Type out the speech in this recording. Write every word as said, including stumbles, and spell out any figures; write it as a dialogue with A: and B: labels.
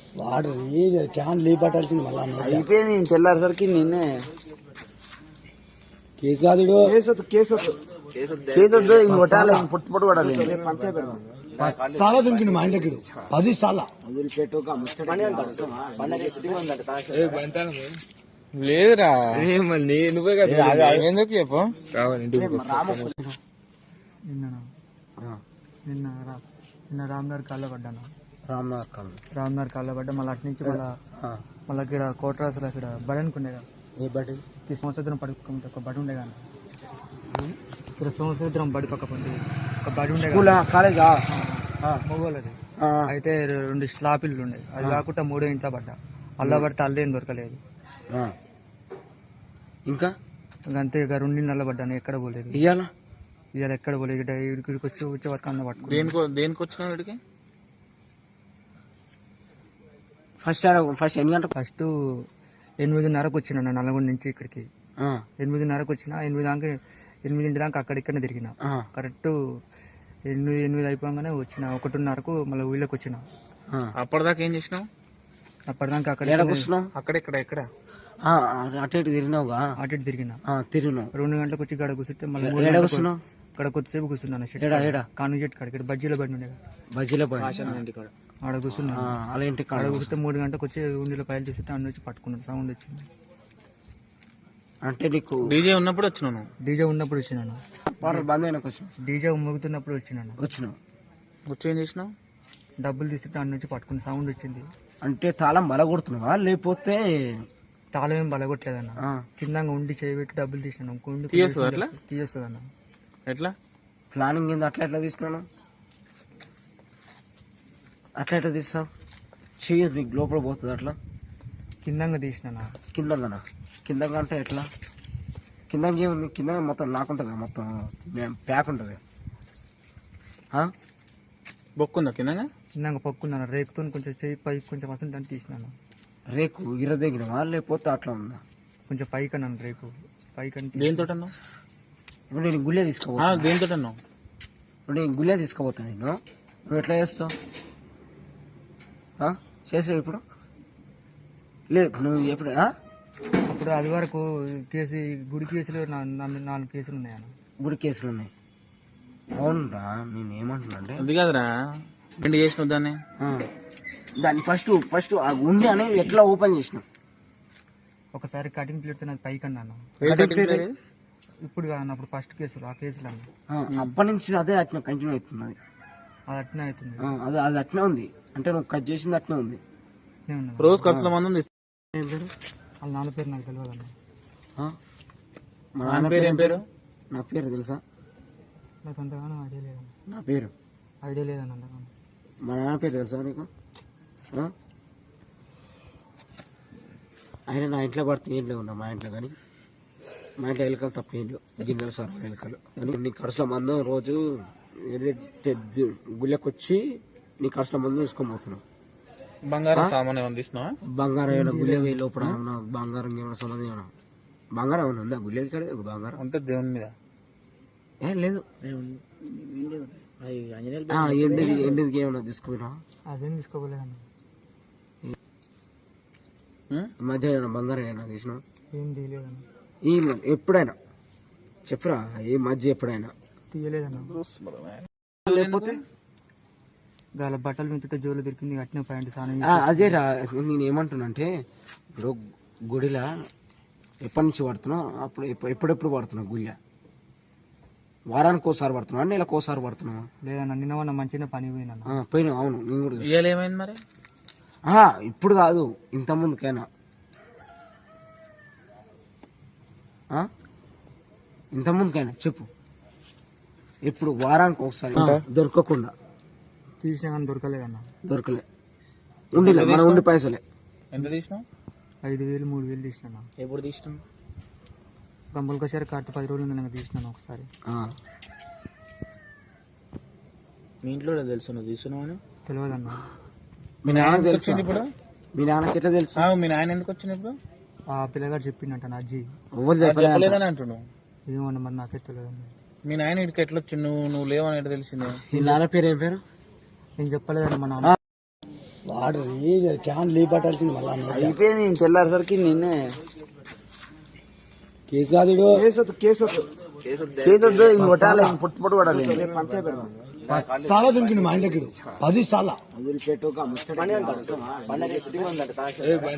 A: వాడు క్యాన్ లీ పట్టాల్సింది మళ్ళా
B: అయిపోయింది. నేను తెల్లారేసరికి నిన్నే
A: కేసు కాదు
B: కేసు కేసు కేసు వద్దు. ఇంక కొట్టాలి, ఇంక పుట్టు పుట్టు కొట్టాలి.
A: చాలా దుంకిండు మా ఇంటికి పది సార్లు
C: లేదురా నువ్వే ఎందుకు చెప్పు.
D: నిన్న నిన్న రామ్నగర్ కాళ్ళ పడ్డాను.
A: రామ్నగర్ కాళ్ళు
D: రామ్నగర్ కాళ్ళ పడ్డా. మళ్ళీ అటు నుంచి మళ్ళీ మళ్ళీ ఇక్కడ కోటరాసులు అక్కడ బడి అనుకుండే కదా.
A: ఏ బడి?
D: ఈ సంవత్సరం పడుకుంటే ఒక బడి ఉండే కానీ ఇక్కడ సంవత్సరం బడి పక్క పండి ఒక బడి ఉండే
A: కాలేజా
D: మొగోళ్ళది. అయితే రెండు స్లాపిల్లు ఉండే. అది కాకుండా మూడో ఇంట్లో పడ్డా. అల్లా పడితే అల్లే ఏం దొరకలేదు.
A: ఇంకా
D: అంతే ఇక రెండు నెలలు పడ్డాను. ఎక్కడ పోలేదు.
A: ఇయ్యాల
D: ఇవాళ ఎక్కడ పోలేదు. ఇక్కడ ఇక్కడికి వచ్చి వచ్చే వరకు అన్న పట్టుకో.
C: దేనికి దేనికి వచ్చినావు ఇక్కడికి?
A: ఫస్ట్ ఫస్ట్ ఎన్ని గంటలు?
D: ఫస్ట్ ఎనిమిదిన్నరకు వచ్చిన నల్గొండ నుంచి ఇక్కడికి. ఎనిమిదిన్నరకు వచ్చిన. ఎనిమిది దాకా ఎనిమిదింటి దాకా అక్కడిక్కడనే తిరిగిన. కరెక్ట్ ఎనిమిది ఎనిమిది అయిపోగానే వచ్చిన. ఒకటిన్నరకు మళ్ళీ ఊళ్ళోకి వచ్చిన.
C: అప్పటిదాకా ఏం చేసినావు?
D: అప్పటిదాకా అక్కడ
C: అక్కడెక్కడ ఎక్కడ
A: అటు ఇటు తిరిగినావుగా?
D: అటు ఇటు తిరిగిన.
A: తిరిగినావు.
D: రెండు గంటలకు వచ్చి గడ కూర్చుంటే మళ్ళీ ఇక్కడ కొద్దిసేపు కూర్చున్నాను. కాను చెట్టు కాడ ఇక్కడ బజ్జీలో బండి ఉండే.
A: బజ్జీలో బండి
D: ఆడ కూర్చున్నాను.
A: అలా ఇంటి
D: ఆడ కూర్చుంటే మూడు గంటలకు వచ్చి ఉండిలో పైలు చూస్తుంటే అన్న వచ్చి పట్టుకున్నాను. సౌండ్ వచ్చింది.
A: అంటే నీకు
C: డీజే ఉన్నప్పుడు వచ్చినాను.
D: డీజే ఉన్నప్పుడు వచ్చినాను.
A: బంద్ అయినా కొంచెం
D: డీజే మోగుతున్నప్పుడు వచ్చినాను.
A: వచ్చినావు.
C: వచ్చి ఏం చేసినావు?
D: డబ్బులు తీసుకుంటే అన్న నుంచి పట్టుకుని సౌండ్ వచ్చింది.
A: అంటే తాళం బల కొడుతున్నావా లేకపోతే?
D: తాళం ఏం బలగొట్టలేదన్న. కింద ఉండి చేయబెట్టి డబ్బులు తీసినాను.
C: తీయొస్తుంది అట్లా?
D: తీయొస్తుంది అన్న.
C: ఎట్లా
A: ప్లానింగ్ ఏంది? అట్లా ఎట్లా తీసుకున్నాను? అట్లా ఎట్లా తీస్తావు? చెయ్యదు నీకు లోపల పోతుంది అట్లా?
D: కిందంగా తీసినా.
A: కిందనా? కిందంగా అంటే ఎట్లా? కిందంగా ఏముంది? కింద మొత్తం లాక్కుంటుంది, మొత్తం ప్యాక్ ఉంటుంది.
C: బొక్కుందా కింద?
D: కిందంగా పక్కున్నాను. రేకుతో కొంచెం చెయ్యి పైకి కొంచెం వస్తుంటే తీసినాను.
A: రేకు ఇర దగ్గర లేకపోతే అట్లా ఉందా?
D: కొంచెం పైకి అన్నాను. రేకు పైకి అంటే
C: దేనితో అన్నావు?
A: ఇప్పుడు నేను గుళ్ళే తీసుకోబోతా.
C: దేనితో అన్నావు?
A: ఇప్పుడు నేను గుళ్ళే తీసుకోబోతా. నేను నువ్వు ఎట్లా చేస్తావు? చేసావు ఇప్పుడు? లేదు నువ్వు ఎప్పుడు?
D: అప్పుడు అది వరకు కేసు గుడి కేసులు నాలుగు కేసులు ఉన్నాయన్న.
A: గుడి కేసులు ఉన్నాయి. అవునురా. నేను ఏమంటున్నా అంటే
C: అది కాదురా, రెండు చేసినావు దాన్ని.
A: దాన్ని ఫస్ట్ ఫస్ట్ ఆ గుండె అనేది ఎట్లా ఓపెన్ చేసినావు?
D: ఒకసారి కటింగ్ ప్లేట్ అది పైకి అన్నాను. ఇప్పుడు కాదన్న, అప్పుడు ఫస్ట్ కేసులు ఆ కేసులు అన్న.
A: అప్పటి నుంచి అదే అట్లా కంటిన్యూ అవుతుంది.
D: అది అట్నే అవుతుంది.
A: అది అది అట్నే ఉంది. అంటే నువ్వు కట్ చేసింది అట్నే ఉంది.
C: రోజు ఖర్చుల మంది ఉంది.
D: వాళ్ళ నాన్న పేరు నాకు తెలియదు అన్న.
A: మా నాన్న పేరు ఏం పేరు? నా పేరు తెలుసా?
D: నాకు అంతగానో ఐడియా లేదన్న.
A: నా పేరు
D: ఐడియా లేదన్న అంతగానో.
A: మా నాన్న పేరు తెలుసా నీకు? ఆయన నా ఇంట్లో పడుతుంది. ఏం లేవు మా ఇంట్లో, కానీ మా ఇంట్లో ఎలుకలు తప్ప ఏం లేవు. గిన్నెలు సార్ ఎలుకలు. నీ ఖర్చుల మందం రోజు గుళ్ళకి వచ్చి నీ ఖర్చుల మందం తీసుకొని పోతున్నావు.
C: బంగారం సామాన్ ఏమైనా తీసినావా?
A: బంగారం ఏమైనా గుళ్ళే పోయి లోపల బంగారం ఏమైనా సంబంధం ఏమైనా బంగారం ఏమైనా ఉందా గుళ్ళకి? కాడ బంగారం
C: ఉంటే దేవుని మీద
A: ఏం లేదు. ఎండిది ఎండిది ఏమైనా తీసుకుపోయినా?
D: అదేం తీసుకోలేదన్న.
A: మధ్య ఏమైనా బంగారం ఏమైనా తీసినావు?
D: ఏం తీయలేదన్న.
A: ఈ ఎప్పుడైనా చెప్పురా, ఈ మధ్య ఎప్పుడైనా
D: తీయలేదన్న.
A: లేకపోతే
D: వాళ్ళ బట్టలు మించుంటే జోలు దొరికింది. అట్నే ప్యాంట్ సాధన.
A: అదే రా, నేను ఏమంటున్నా అంటే ఇప్పుడు గుడిలా ఎప్పటి నుంచి పడుతున్నావు? అప్పుడు ఎప్పుడెప్పుడు పడుతున్నావు గుళ్ళ? వారానికి ఒకసారి పడుతున్నావు? నెలకు ఒకసారి పడుతున్నావు?
D: లేదన్న, నిన్న మొన్న మంచిగా పని పోయినా
A: పోయినా. అవును, నేను కూడా
C: ఏమైంది మరి?
A: ఇప్పుడు కాదు, ఇంత ముందుకైనా ఇంత ముందుకైనా చెప్పు. ఎప్పుడు వారానికి ఒకసారి దొరకకుండా
D: తీసినా కానీ దొరకలేదన్న.
A: దొరకలే. ఉండిలే మన ఉండి పైసలే.
C: ఎంత తీసినావు?
D: ఐదు వేలు మూడు వేలు తీసినా.
C: ఎప్పుడు తీసినావు?
D: గంపలకోసారి కట్ట పది రోజులు నేను తీసినాను ఒకసారి.
C: మీ ఇంట్లో తెలుసు నువ్వు తీసుకున్నావు అని?
D: తెలియదన్న.
A: మీ నాన్న తెలుసు
C: ఇప్పుడు?
A: మీ నాన్నకి ఎట్లా తెలుసు?
C: మీ నాయన ఎందుకు వచ్చింది ఇప్పుడు?
D: ఆ పిల్లగాడు చెప్పిండట నా అజ్జి.
C: చెప్పలేదని అంటున్నావు.
D: ఏమన్నా మరి నాకే తెలియదన్న.
C: మీ నాయన ఇటుకి ఎట్లా వచ్చి నువ్వు నువ్వు లేవని ఎట్లా తెలిసిందే?
A: మీ నాన్న పేరు ఏం పేరు?
D: నేను చెప్పలేదన్న. మా నాన్న
A: వాడు క్యాన్ లీ పట్టాల్సింది మళ్ళా
B: అయిపోయింది నేను తెల్లారేసరికి నిన్నే
A: కేసు కాదు కేసు కేసు
B: కేసు వద్దు ఇంక కొట్టాలి ఇంక పుట్టు పుట్టు కొట్టాలి
A: చాలా దుంకిండు మా ఇంటికి పది సార్లు
B: వదిలిపెట్టు